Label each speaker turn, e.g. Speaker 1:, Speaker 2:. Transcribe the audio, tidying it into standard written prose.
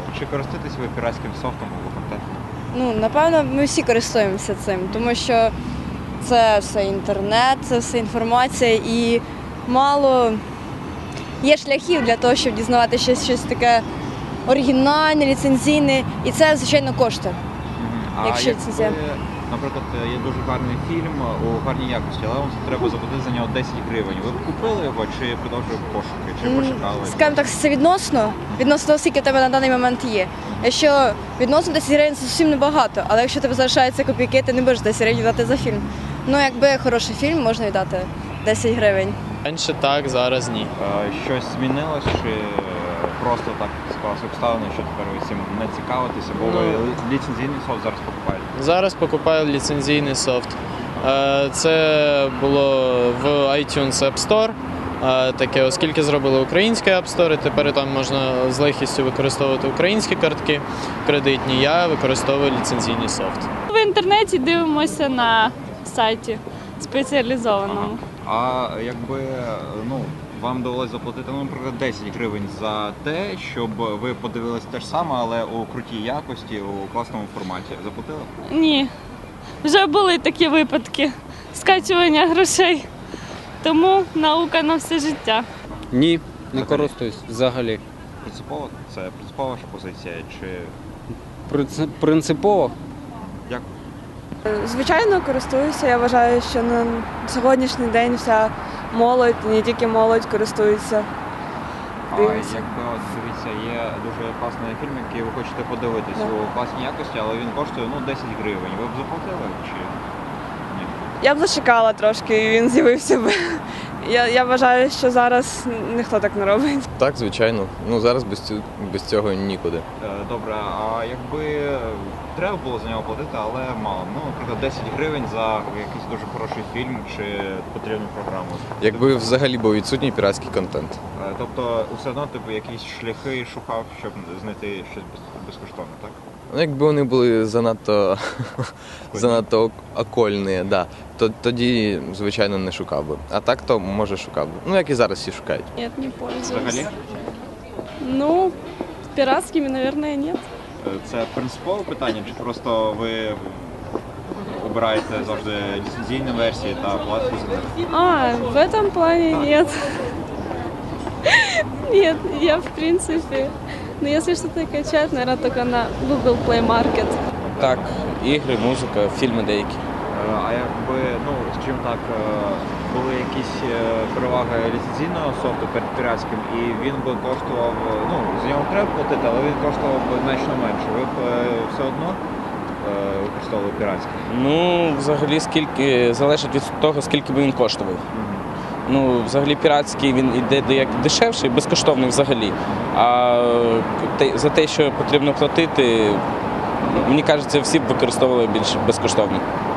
Speaker 1: Чи користуєтесь ви піратським софтом або контентом?
Speaker 2: Ну, напевно, ми всі користуємося цим, тому що це все інтернет, це все інформація і мало є шляхів для того, щоб дізнаватися щось таке оригінальне, ліцензійне, і це, звичайно, коштує.
Speaker 1: А
Speaker 2: Якщо
Speaker 1: якби,
Speaker 2: це-
Speaker 1: наприклад, є дуже гарний фільм у гарній якості, але вам треба заплатити за нього 10 гривень. Ви б купили його чи продовжили пошуки, чи почекали?
Speaker 2: Скажімо так, це відносно того, скільки в тебе на даний момент є. Якщо відносно 10 гривень це зовсім небагато, але якщо тебе залишаються копійки, ти не будеш 10 гривень віддати за фільм. Ну, якби хороший фільм, можна віддати 10 гривень.
Speaker 3: Раніше так, зараз ні.
Speaker 1: Щось змінилось, чи просто так склалося обставини, що тепер ви цим не цікавитеся, бо ви ліцензійний софт зараз покупаєте?
Speaker 3: Зараз покупаю ліцензійний софт. Це було в iTunes App Store, таке, оскільки зробили український App Store, і тепер там можна з легкістю використовувати українські картки кредитні, я використовую ліцензійний софт.
Speaker 4: В інтернеті дивимося на сайті спеціалізованому.
Speaker 1: А якби вам довелося заплатити, наприклад, 10 гривень за те, щоб ви подивилися те ж саме, але у крутій якості, у класному форматі. Заплатили?
Speaker 4: Ні. Вже були такі випадки скачування грошей. Тому наука на все життя.
Speaker 5: Ні, не користуюсь взагалі.
Speaker 1: Принципово? Це принципова ваша позиція? Чи
Speaker 5: Принципово?
Speaker 1: як?
Speaker 6: Звичайно, користуюся. Я вважаю, що на сьогоднішній день вся молодь, не тільки молодь, користується.
Speaker 1: А
Speaker 6: Дивимося.
Speaker 1: якби от дивіться, є дуже класний фільм, який ви хочете подивитись у класній якості, але він коштує 10 гривень. Ви б заплатили чи ні?
Speaker 6: Я б зачекала трошки, і він з'явився б. Я вважаю, що зараз ніхто так не робить.
Speaker 7: Так, звичайно. Зараз без цього нікуди.
Speaker 1: Добре, а якби треба було за нього платити, але мало. Наприклад, 10 гривень за якийсь дуже хороший фільм чи потрібну програму.
Speaker 7: Якби взагалі був відсутній піратський контент.
Speaker 1: Тобто все одно якісь шляхи шукав, щоб знайти щось безкоштовне, так?
Speaker 7: Якби вони були занадто окольні, да, то тоді, звичайно, не шукав би. А так, то, може, шукав би. Як і зараз всі шукають.
Speaker 4: Нет, не пользуюсь.
Speaker 1: Взагалі?
Speaker 4: Ну, пиратскими, наверное, нет.
Speaker 1: Це принципове питання, чи просто ви обираєте завжди ліцензійні версії та платите за них?
Speaker 4: В этом плане нет. Нет, я в принципе. Но если что-то качать, наверное, только на Google Play Market.
Speaker 5: Так, ігри, музика, фільми деякі.
Speaker 1: А якби, скажімо так, були якісь переваги ліцензійного софту перед піратським, і він би коштував, за нього треба платити, але він коштував би значно менше. Ви б все одно використовували піратський?
Speaker 5: Взагалі, залежить від того, скільки би він коштував. Взагалі піратський він іде як дешевший, безкоштовний взагалі. А за те, що потрібно платити, мені кажеться, всі б використовували більш безкоштовно.